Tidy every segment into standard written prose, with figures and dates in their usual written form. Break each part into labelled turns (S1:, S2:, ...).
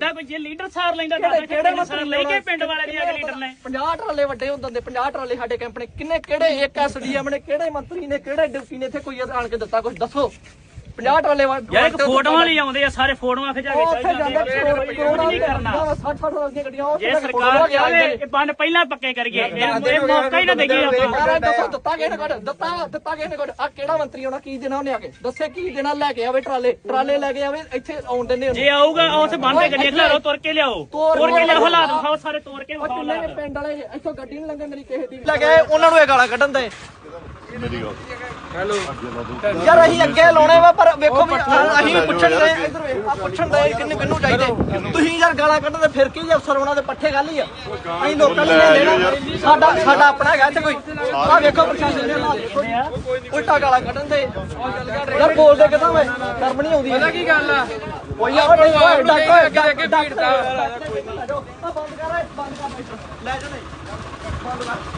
S1: ਲੈਂਦਾ ਕੋਈ ਜੇ ਲੀਡਰ ਸਾਰ ਲੈਂਦਾ ਤਾਂ ਕਿਹੜੇ ਸਾਰ ਲੈ ਕੇ ਪਿੰਡ ਵਾਲੇ ਦੀ ਅਗਲੇ ਲੀਡਰ ਨੇ
S2: 50 ਟਰਾਲੇ ਵੱਡੇ ਹੁੰਦੇ 50 ਟਰਾਲੇ ਸਾਡੇ ਕੈਂਪ ਨੇ ਕਿੰਨੇ ਕਿਹੜੇ ਇੱਕ ਐਸਡੀਐਮ ਨੇ ਕਿਹੜੇ ਮੰਤਰੀ ਨੇ ਕਿਹੜੇ ਡਿਪਟੀ ਨੇ ਇੱਥੇ ਕੋਈ ਆਣ ਕੇ ਦਿੱਤਾ ਕੁਝ ਦੱਸੋ 50 ਟਰਾਲੇ
S1: ਯਾਰ ਇੱਕ ਫੋਟੋਆਂ ਲਈ ਆਉਂਦੇ ਆ ਸਾਰੇ ਫੋਟੋਆਂ ਖਿਚਾ ਕੇ ਚੱਲ ਜਾਂਦੇ ਨਹੀਂ ਕਰਨਾ
S2: 60 ਦੀਆਂ ਗੱਡੀਆਂ
S1: ਜੇ ਸਰਕਾਰ ਚਾਹੇ ਇਹ ਬੰਨ ਪਹਿਲਾਂ ਪੱਕੇ ਕਰੀਏ ਇਹ ਮੌਕਾ ਹੀ ਨਾ ਦੇਈਏ ਆਪਾਂ
S2: ਦੱਸੋ ਦਿੱਤਾ ਕਿਹਨੇ ਕੋਲ ਦਿੱਤਾ ਕਿਹਨੇ ਕੋਲ ਆ ਕਿਹੜਾ ਮੰਤਰੀ ਆਉਣਾ ਕੀ ਦੇਣਾ ਉਹਨੇ ਆ ਕੇ ਦੱਸੇ ਕੀ ਦੇਣਾ ਲੈ ਕੇ ਆਵੇ ਟਰਾਲੇ ਲੈ ਕੇ ਆਵੇ ਇੱਥੇ ਆਉਣ ਦਿੰਦੇ
S1: ਜੇ ਆਊਗਾ ਉਸ ਬੰਨ ਤੇ ਗੱਡੀਆਂ ਖਿਲਾਰੋ ਤੁਰ ਕੇ ਲਿਆਓ ਤੁਰ ਕੇ ਲਿਆਓ ਹਾਲਾਤ ਵਿਖਾਓ ਸਾਰੇ ਤੋੜ ਕੇ ਵਿਖਾਓ
S2: ਕਿੰਨੇ ਪਿੰਡ ਵਾਲੇ ਇੱਥੋਂ ਗੱਡੀ ਨਹੀਂ ਲੰਘੇ ਮੇਰੀ ਕਿਸੇ ਦੀ ਲੱਗੇ ਉਹਨਾਂ ਨੂੰ ਇਹ ਗਾਲਾਂ ਕੱਢਣ ਦੇ ਹੈਲੋ ਯਾਰ ਅਸੀਂ ਅੱਗੇ ਲਾਉਣੇ ਵਾ ਪਰ ਵੇਖੋ ਵੀ ਅਸੀਂ ਪੁੱਛਣ ਦੇ ਇਧਰ ਵੇਖ ਆ ਪੁੱਛਣ ਦੇ ਕਿੰਨੂੰ ਚਾਹੀਦੇ ਤੁਸੀਂ ਯਾਰ ਗਾਲਾਂ ਕੱਢਦੇ ਫਿਰ ਕੀ ਜੇ ਅਫਸਰ ਉਹਨਾਂ ਦੇ ਪੱਠੇ ਗੱਲ ਹੀ ਆ ਅਸੀਂ ਲੋਕਾਂ ਨੂੰ ਲੈਣਾ ਸਾਡਾ ਆਪਣਾ ਹੈਗਾ ਇੱਥੇ ਕੋਈ ਆ ਵੇਖੋ ਪ੍ਰਸ਼ਾਸਨ ਦੇ ਹਾਲਾਤ ਉਲਟਾ ਗਾਲਾਂ ਕੱਢਣ ਦੇ ਯਾਰ ਬੋਲਦੇ ਕਿਦਾਂ ਵੇ ਸ਼ਰਮ ਨਹੀਂ ਆਉਂਦੀ ਪਤਾ ਕੀ ਗੱਲ ਆ ਕੋਈ ਆ ਅੱਗੇ ਭੀੜ ਦਾ ਬੰਦ ਕਰ ਲੈ ਜਾ ਨਹੀਂ ਬੰਦ ਕਰ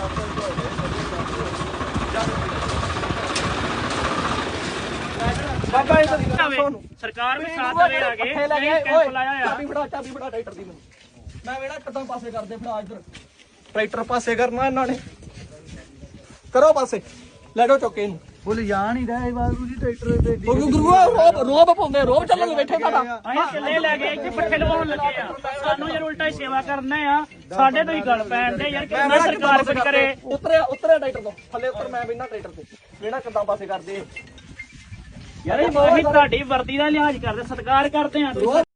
S2: ਬਾਬਾ ਇਹ
S1: ਸਰਕਾਰ ਵੀ ਸਾਥ ਦੇਵੇ ਆ ਕੇ ਕੈਂਪ ਲਾਇਆ ਆ
S2: ਚਾਬੀ ਫੜਾ ਟਰੈਕਟਰ ਦੀ ਮੈਂ ਵੇੜਾ ਕਿੱਦਾਂ ਪਾਸੇ ਕਰਦੇ ਫੜਾ ਇੱਧਰ ਟਰੈਕਟਰ ਪਾਸੇ ਕਰਨਾ ਇਹਨਾਂ ਨੇ ਕਰੋ ਪਾਸੇ ਲੈ ਜਾਓ ਚੌਕੇ ਨੂੰ
S3: ਬੋਲ ਜਾਣ ਹੀ ਰਹੇ ਬਾਬੂ ਜੀ ਟਰੈਕਟਰ ਦੇ
S2: ਗੁਰੂ ਰੋਬ ਪਾਉਂਦੇ ਰੋਬ ਚੱਲਣ ਨੂੰ ਬੈਠੇ ਸਾਡਾ
S1: ਅਸੀਂ ਕਿੱਲੇ ਲੈ ਕੇ ਇੱਥੇ ਪੱਠੇ ਲਵਾਉਣ ਲੱਗੇ ਆ ਸਾਨੂੰ ਯਾਰ ਉਲਟਾ ਹੀ ਸੇਵਾ ਕਰਨਾ ਆ ਸਾਡੇ ਤੋਂ ਹੀ ਗੱਲ ਪੈਣ ਦੇ ਯਾਰ ਕਿੰਨਾ ਸਰਕਾਰ ਕੁਝ ਕਰੇ
S2: ਉਤਰਿਆ ਟਰੈਕਟਰ ਤੋਂ ਥੱਲੇ ਉੱਤਰ ਮੈਂ ਬਿਨਾਂ ਟਰੈਕਟਰ ਤੇ ਵੇੜਾ ਕਿੱਦਾਂ ਪਾਸੇ ਕਰਦੇ
S1: ਯਾਰ ਅਸੀਂ ਤੁਹਾਡੀ ਵਰਦੀ ਦਾ ਲਿਹਾਜ਼ ਕਰਦੇ ਸਤਿਕਾਰ ਕਰਦੇ ਆ